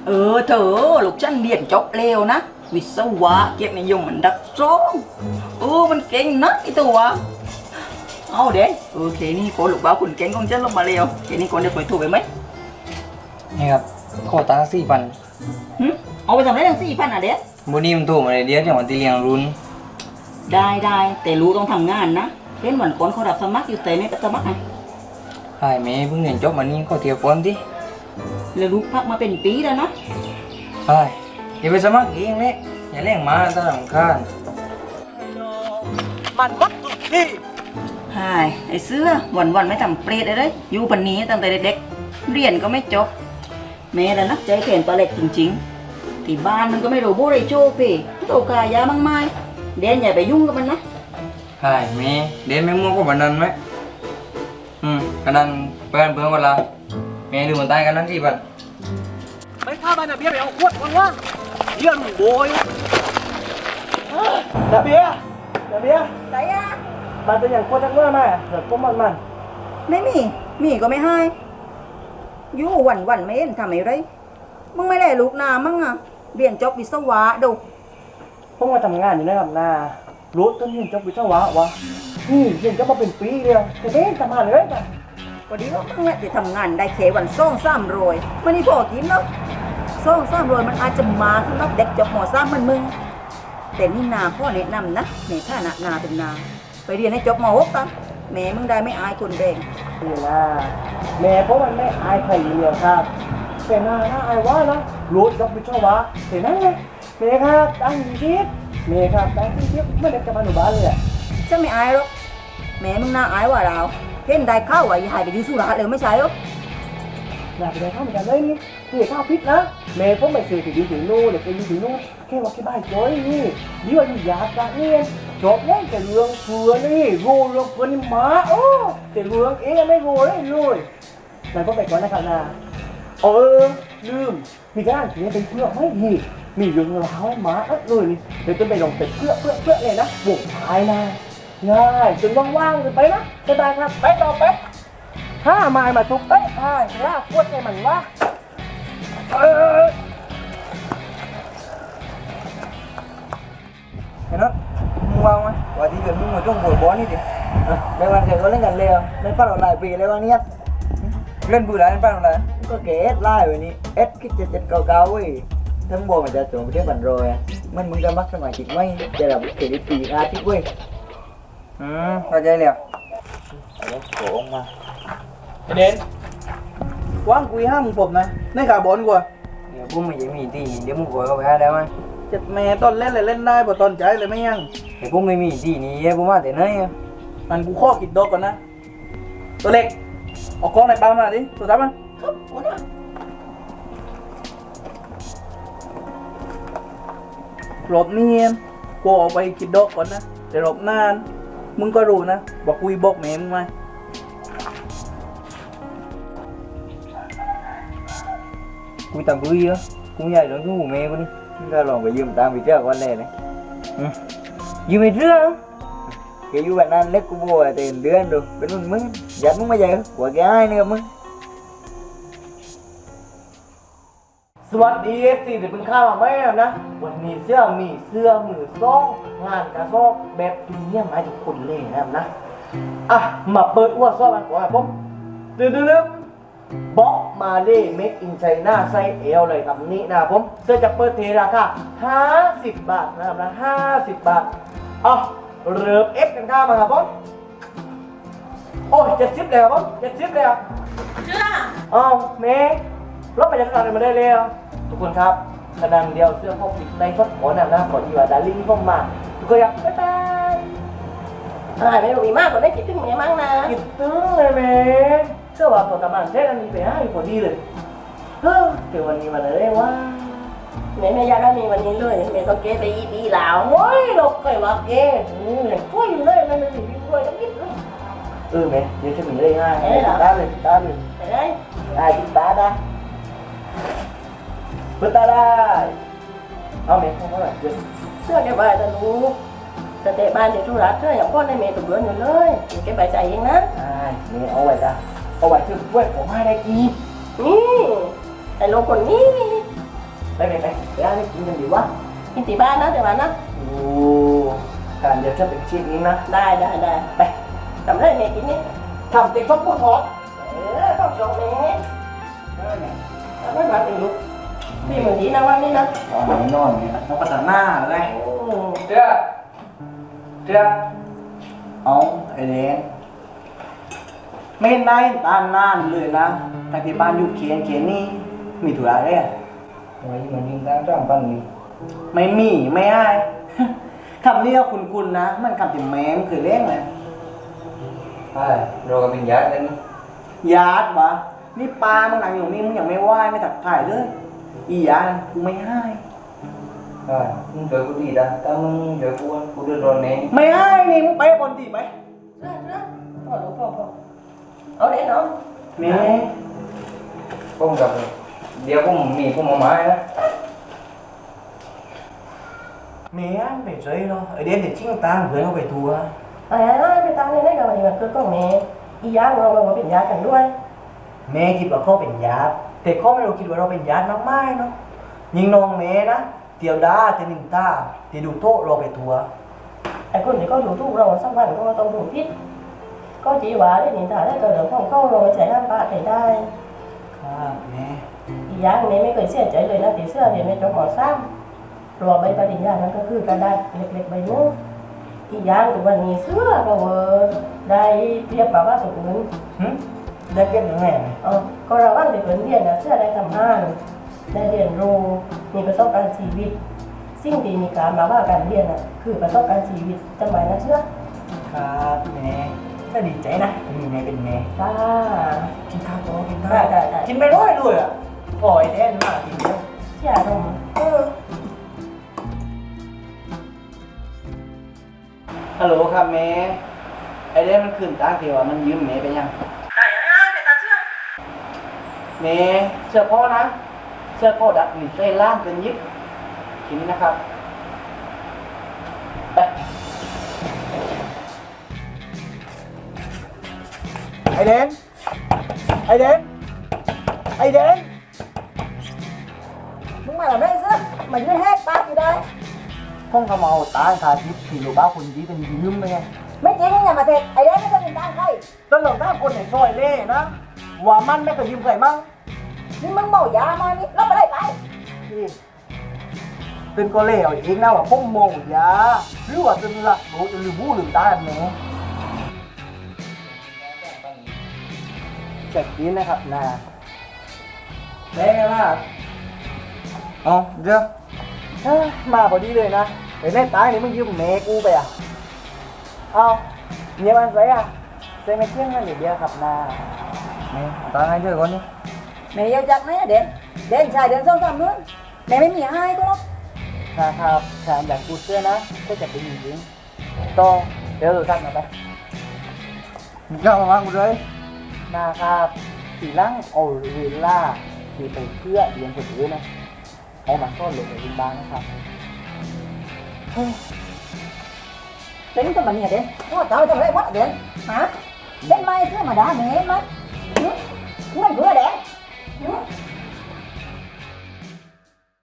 เธอลูกฉันเรียนจบเร็วนะวิศวะเกียรตินิยมมันดับสองมันเก่งนะไอตัวเอาเด็กเคนี่คนลูกบ้าคุณเก่งของฉันลงมาเร็วเคนี่คนเดี๋ยวไปถูกไปไหมนี่ครับขอตังค์4,000 เอาไปทำอะไรตั้ง4,000อ่ะเด็กวันนี้มันถูกมาเลยเดียวอย่างวันที่เลี้ยงรุ่นได้แต่รู้ต้องทำงานนะเล่นเหมือนคนเขารับสมัครอยู่แต่ไม่ไปสมัครไงไอ้แม่เพิ่งเรียนจบมานี่ก็เทียบก่อนดิแล้วลูกพักมาเป็นปีแล้วนะไอ้อย่าไปสมัครเองเลยอย่าเล่งมาตาหลังคานมันวัดสุดที่ไอ้เสื้อวันไม่ทำเปรตเลยอยู่ปันนี้ตั้งแต่เด็กๆเรียนก็ไม่จบแม่แล้วนักใจเขียนปลาเล็กจริงๆที่บ้านมันก็ไม่รู้โบไรโจ้พี่โตกายามั่งไม้เดนอย่าไปยุ่งกับมันนะไอ้แม่เดนไม่มั่วก็บันนั้นไหมกันนั้นเพื่อนกันละแม่ดูมันตายกันนั้นสิบันไม่ข้าบ้านนะเบี้ยไปเอาขวดก่อนว่าเยี่ยนโบยนะเบี้ยใส่อะมันเป็นอย่างขวดทั้งเมื่อไหร่เดี๋ยวก้มมันไม่มีก็ไม่ให้อยู่วันไม่เห็นทำอะไรมึงไม่แลลูกนามั่งอ่ะเรียนจบวิศวะดูพวกมาทำงานอยู่ในลำนารู้ต้นเรียนจบวิศวะวะเรียนจบมาเป็นปีเดียวแต่ไม่ทำงานเลยจ้ะวันนี้เราตั้งแต่ที่ทำงานได้เควัน2-300มันนี่พอกินแล้ว2-300มันอาจจะมาสำหรับเด็กจบม.3มันมึงแต่นี่นาพ่อแนะนำนะในฐานะนาเป็นนาไปเรียนให้จบม.6กันแม่มึงได้ไม่อายคนแดงนี่นะแม่เพราะมันไม่อายใครเดียวครับแต่นาอายว่านะรู้จบวิศวะแต่นั่นไงแม่ครับตั้งทิพย์แม่ครับตั้งทิพย์ไม่ได้จะมาหนูบ้านเลยจะไม่อายหรอกแม่มึงน่าอายว่าเราเห็นได้ข้าวว่าหายไปดูสุราเลยไม่ใช่หรออยากไปได้ข้าวเหมือนกันเลยนี่ข้าวพิษนะแม่ผมไม่ซื้อถึงอยู่ถึงนู่นเดี๋ยวไปอยู่ถึงนู่นแค่ว่าแค่บ้านจ้อยนี่ดีว่าอยู่ยากจังเนี่ยจบแล้วแต่เรื่องเฟื่อนี่รู้เรื่องเฟื่อนี่มาแต่เรื่องเองไม่รู้เลยเลยนายพ่อไปก่อนนะครับนาลืมมีกระดาษเขียนเป็นเพื่อไม่มีเรื่องราวให้มาเลยนี่เดี๋ยวจะไปลงเป็นเพื่อเลยนะบวกท้ายนะง่ายจนว่างๆเลยไปนะสบายครับไปต่อไปถ้ามาทุกล่าพวดใจมันว่าเห็นไหมมึงวางไหมว่าที่เกิดมึงมาจ้องบวยบอลนี่ดิในวันเกิดก็เล่นกันเลยเล่นป้าหลายปีเลยวันนี้เล่นบื้อไรเล่นป้าอะไรก็เกสไล่แบบนี้คิดจะเก่าๆเว้ยทั้งบอลมันจะส่งไปเที่ยวบันโรยมันมึงจะมักสมัยจิตไม่จะแบบเกลิปีอาทิตย์เว้ยเข้าใจเลยแล้วโผล่มาเด่นว่างคุยห้ามมึงผมนะในขาบอลกว่าเดี๋ยวพวกมันยังมีที่เดี๋ยวมึงกลัวเขาไปหาได้ไหมจัดแม่ตอนเล่นเลยเล่นได้พอตอนใจเลยไม่ยังเดี๋ยวพวกไม่มีที่นี้พวกมาแต่ไหนมันกูข้อกิดดอกก่อนนะตัวเล็กออกกล้องในปั๊มมาดิตัวจับมันรอบนี้กูออกไปกิดดอกก่อนนะแต่รอบนานมึงก็รู้นะบอกคุยบอกแม่มึงไหมกูตามกูเยอะกูใหญ่แล้วกูแม่กูนี่ก็ลองไปยืมตังค์ไปเที่ยววันแรกเลยยืมไปเรื่องแกอยู่แบบนั้นเล็กกูบอกแต่เดือนดูเป็นมึงยัดมึงมาใหญ่กว่าแกให้เนี่ยมึงสวัสดีสิเดี๋ยวเป็นข้าวมาไหมนะวันนี้มีเสื้อมือซ่องงานกระซอกแบบพรีเมียมให้ทุกคนเลยนะมาเปิดอ้วดซ่อมันก่อนครับผมดื้อบ็อกมาเล่เมคอินไชน่าไซส์เอลเลยครับนี้นะผมเสื้อจะเปิดเทราคา50 บาทนะครับนะ50 บาทเริ่มเอฟกันข้ามาครับผมโอ้ย70เลยครับผม70เลยครับเมย์รถไปจากตลาดมาได้เลยทุกคนครับขนาดเดียวเสื้อพวกติดในฟดขอนะขอที่ว่าดาริ่งพวกมาทุกคนครับบ๊ายบายไม่รู้มีมากกว่าได้คิดถึงแม่มั้งนะคิดถึงเลยแม่เชื่อว่าตัวกำลังเท่กันมีไปให้พอดีเลยเดี๋ยววันนี้มาเลยว่าแม่อยากได้มีวันนี้เลยแม่ต้องเก็บไปอีหลาวโอ้ยเราเคยว่าเก็บช่วยเลยแม่ไม่มีช่วยต้องคิดแม่เดี๋ยวจะมีเลยง่ายตาเลยติดตาได้เปิดตาได้เอาแม่เขาไหร่เสื้อแกใบแต่ลูกแต่เตะบ้านเดี๋ยวธุระเสื้ออย่างพ่อในเมย์ตัวเบื่ออยู่เลยแกใบใจเองนะแม่เอาไว้ช่วยผมให้ได้กี่ไอ้ลูกคนนี้ไปเดี๋ยวนี่กินกันดีวะกินที่บ้านนะแต่ว่านะโอ้การเดี๋ยวจะเป็นชิ้นนี้นะได้ไปทำได้ไงกินนี่ทำเต็มฟักปูทอดต้องชงเนี้ไม่มาเป็นลูกพี่เหมือนดีนะวันนี้นะอ๋อแน่นอนเนี่ยต้องพัฒนาอะไร เจ้าเอาไอ้เด็กไม่ได้ตานนานเลยนะแต่ที่บ้านอยู่เขียนนี่มีธุระอะไรอ่ะทำไมมันยิงตั้งจ้างปังนี่ไม่มีไม่ได้ คำนี้ก็คุณนะมันคำที่แม่มเคยเล่นเลยใช่เราก็เป็นญาติกันญาติวะนี่ปลามึงหนังอยู่นี่มึงยังไม่ไหว้ไม่ตักถ่ายเลยอีญาติกูไม่ให้ใช่มึงเจอกูดีนะถ้ามึงเจอกูเดือดร้อนแน่ไม่ให้นี่มึงไปบนตีไปพ่อเอาเด็กน้องแม่ผมกับเดี๋ยวผมมีผมเอาไม้นะแม่ไม่ใช่หรอกไอเด็กเด็กชิงตามเพื่อนเอาไปทัวร์ไปตามนี่ได้กับวันนี้มันคือก็เมย์อีย่างเราเป็นญาติกันด้วยแม่คิดว่าเขาเป็นญาติแต่เขาไม่รู้คิดว่าเราเป็นญาติมากไม่เนาะยิงน้องแม่นะเตียวดาเตียวหนึ่งตาเตียวดูโต๊ะเราไปทัวร์ไอ้คนที่เขาดูทุกเราสักวันก็ต้องดูพิษก็จีหวาได้หนิถ่ายได้ก็เหลือของเขาเราใช้ห้ามปะใช้ได้ครับแม่อีย่างเมย์ไม่เคยเสียใจเลยนะตีเสื้อเรียนไม่จบหมอซ้ำรัวใบปริญญานั้นก็คือกระดาษเล็กๆใบนู้นอีย่างถึงวันนี้เสื้อเราได้เทียบกับว่าคนอื่นได้เก็บยังไงก็เราว่างแต่เรียนนะเสื้อได้ทำงานได้เรียนรู้มีประสบการณ์ชีวิตสิ่งที่มีการมาว่าการเรียนน่ะคือประสบการณ์ชีวิตจำไว้นะเชื่อครับแม่ก็ดีใจนะมีแม่เป็นแม่จ้ากินข้าวโต๊ะกินข้าวได้กินไปร้อยเลยอ่ะปล่อยแน่นมากกินเยอะเชื่อลงฮัลโหลครับแม่ไอเด็กมันขึ้นตั้งเทวะมันยืมแม่ไปยังได้ไปตาเชื่อแม่เสื้อพ่อนะเสื้อพ่อดัดหนีเส้นล่างเป็นยิบทีนี้นะครับไปไอเดนไอเดนไอเดนมึงมาแบบไรซะมายืนแหกปากอยู่ได้พ่องเขามาเอาตาขาทิพย์ที่ลูกบ้าคนนี้เป็นยืมไปไงไม่จริงมึงอย่ามาเท็จไอ้เด็กไม่ต้องเป็นตามใครต้นหลงท่าคนไหนซอยเล่นะว่ามันไม่เคยยืมใครมั่งนี่มึงเมายามานี่แล้วไปได้ไปนี่เป็นก็เล่เอาเองนะว่าพ่อโมยาหรือว่าจนหลักรู้จนลืมหูลืมตาแหมเจ็บดีนะครับนาแม่ล่ะอ๋อเดี๋ยวมาพอดีเลยนะไอ้แม่ตายนี่มึงยืมแม่กูไปอ่ะเอาเนี่ยมันใส่อ่ะใส่ไม่เที่ยงกันอยู่เดียวครับนาแม่ตาให้เจอคนนี้แม่อยากจักไหมเด่นเด่นชายเด่นสองสามนู้นแม่ไม่มีให้ก็หรอกครับแถมอยากกูเสื้อนะก็จะเป็นอย่างนี้ต้องเดี๋ยวดูท่านมาไปมึงเข้ามาบ้างกูเลยนะครับสีล่างโอริล่าที่ไปเพื่อเลี้ยงคนอื่นนะเอามาซ่อนลงในดินบ้านนะครับเด่นก็มาเนี่ยเด่นพ่อเจ้าทำไรวะเด่นฮะเด่นไม่เชื่อมาด่าแม่ไหมเงินเพื่อเด่น